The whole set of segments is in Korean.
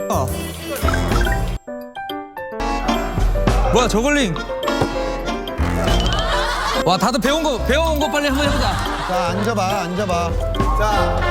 뭐야 저글링. 와 다들 배운 거 빨리 한번 해보자. 자, 앉아봐. 자,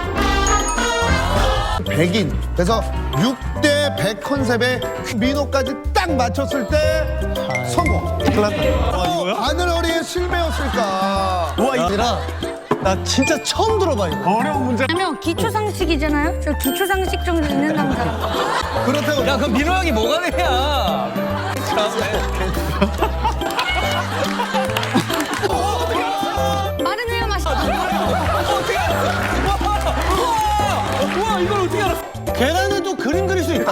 100인. 그래서 6대 100 컨셉에 민호까지 딱 맞췄을 때 성공. 큰일 났다. 이거야? 바늘어리의 실패였을까? 우와, 얘들아. 나 진짜 처음 들어봐, 이거. 어려운 문제. 아니면 기초상식이잖아요. 저 기초상식 정도 있는 남자. 그렇다고. 야 그럼 민호 형이 뭐가 되냐. 말은 해야 맛있다. 우와 이걸 어떻게 알아. 계란을 또 그림 그릴 수 있다.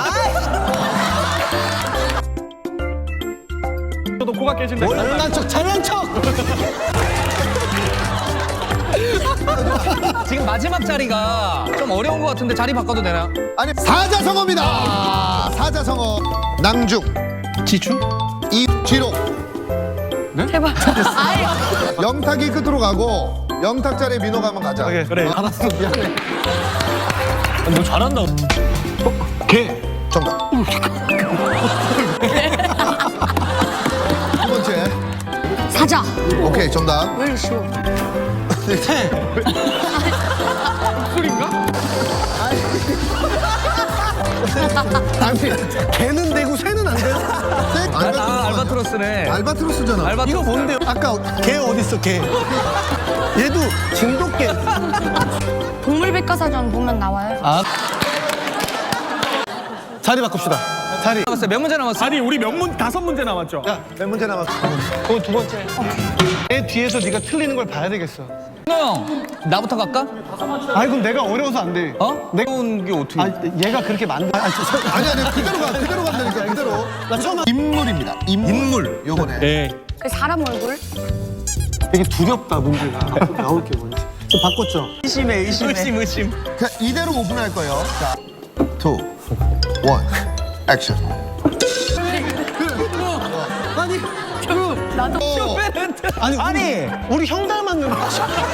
저도 코가 깨진다. 잘난 척. 지금 마지막 자리가 좀 어려운 것 같은데 자리 바꿔도 되나? 아니, 사자성어입니다. 사자성어. 낭중, 지충? 이지록. 제발. 아예. 영탁이 끝으로 가고 영탁 자리에 민호가 한번 가자. 그래. 알았어, 미안해. 너 잘한다. 개. 정답. 두 번째. 사자. 오케이, 정답. 왜 이렇게 쉬워? 아니, 개는 되고 새는 안 돼요? 알바트로스네. 알바트로스잖아. 알바트로스. 이거 뭔데요? 아까 개 어딨어, 개. 얘도 진돗개. 동물백과사전 보면 나와요. 자리 바꿉시다. 자리. 남았어요. 몇 문제 남았어? 아니 우리 명문 5문제 남았죠. 야, 몇 문제 남았어? 그건 두 번째. 내 뒤에서 네가 틀리는 걸 봐야 되겠어. 민호 형 나부터 갈까? 아이, 그럼 내가 어려워서 안 돼. 어? 내가 온 게 어떻게? 아, 얘가 그렇게 만든. 아니, 그대로 간다니까, 그대로. 나 처음 인물입니다. 인물. 요거네. 네. 그 사람 얼굴. 되게 두렵다, 문제가. 앞으로 나올 게 뭔지. 좀 바꿨죠? 의심. 그냥 이대로 오픈할 거예요. 자, 2, 1, 액션. 아니, 나도. 아니, 우리 형 닮았는 거.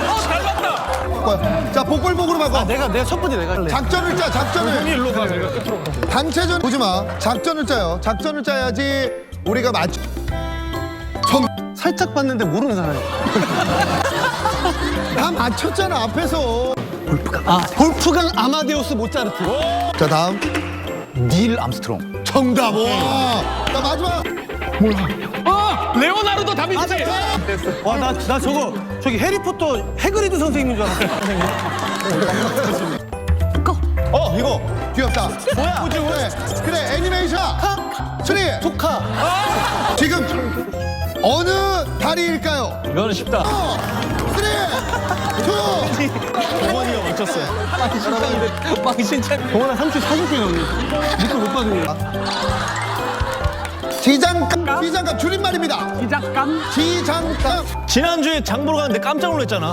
자, 복불복으로 바꿔. 내가 첫 번째 내가 할래. 작전을 짜, 작전을. 일로 가. 내가 끝으로. 단체전 보지 마. 작전을 짜요. 작전을 짜야지 우리가 맞춰. 정, 살짝 봤는데 모르는 사람이야. 다 맞췄잖아, 앞에서. 볼프강 아마데우스 모차르트. 자, 다음. 닐 암스트롱. 정답. 와. 자, 마지막. 레오나르도 다빈치. 와, 나 저기 해리포터 해그리드 선생님인 줄 알았어. 선생님. 이거. 귀엽다. 뭐야? 그래, 애니메이션. 수리. 조카. 지금 어느 다리일까요? 이거는 쉽다. 3, 2. 어머니가 맞췄어요. 망신차. 동원아 40개 넘니. 밑에 못 받으니. 지장감 줄임말입니다. 지장감. 지난주에 장 보러 갔는데 깜짝 놀랐잖아.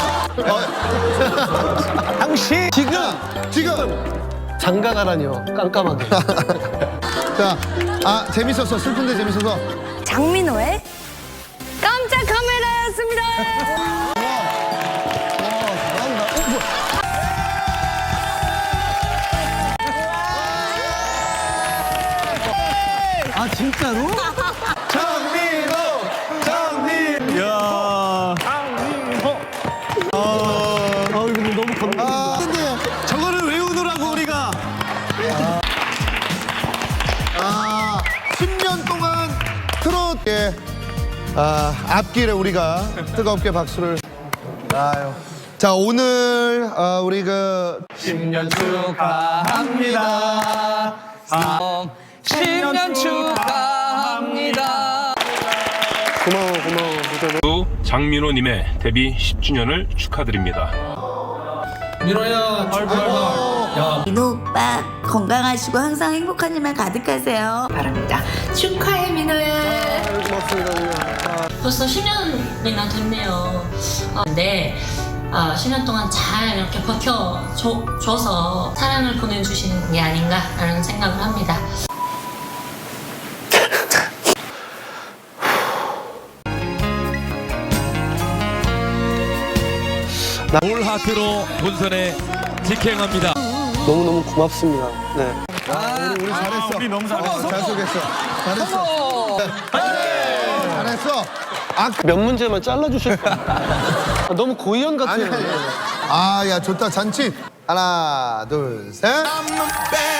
당신 지금. 장가가라니요. 깜깜하게. 자, 재밌었어. 슬픈데 재밌어서. 장민호의 깜짝 카메라였습니다. 아, 진짜로? 장민호! 야. 이거 너무 건강해. 저거를 외우느라고 우리가. 10년 동안 트롯의 앞길에 우리가 뜨겁게 박수를. 아유. 자, 오늘 우리 10년 축하합니다. 10년 축하합니다. 고마워. 또 장민호님의 데뷔 10주년을 축하드립니다. 민호야, 민호 오빠 건강하시고 항상 행복한 일만 가득하세요. 바랍니다. 축하해 민호야. 벌써 10년이나 됐네요. 근데 10년 동안 잘 이렇게 버텨줘서 사랑을 보내주시는 게 아닌가라는 생각을 합니다. 올 하트로 본선에 직행합니다. 너무너무 고맙습니다. 네. 우리 잘했어. 우리 너무 잘했어. 잘 속였어. 잘했어. 잘했어. 몇 문제만 잘라주실 거야. 아, 너무 고의원 같아요. 야, 좋다. 잔치. 하나, 둘, 셋.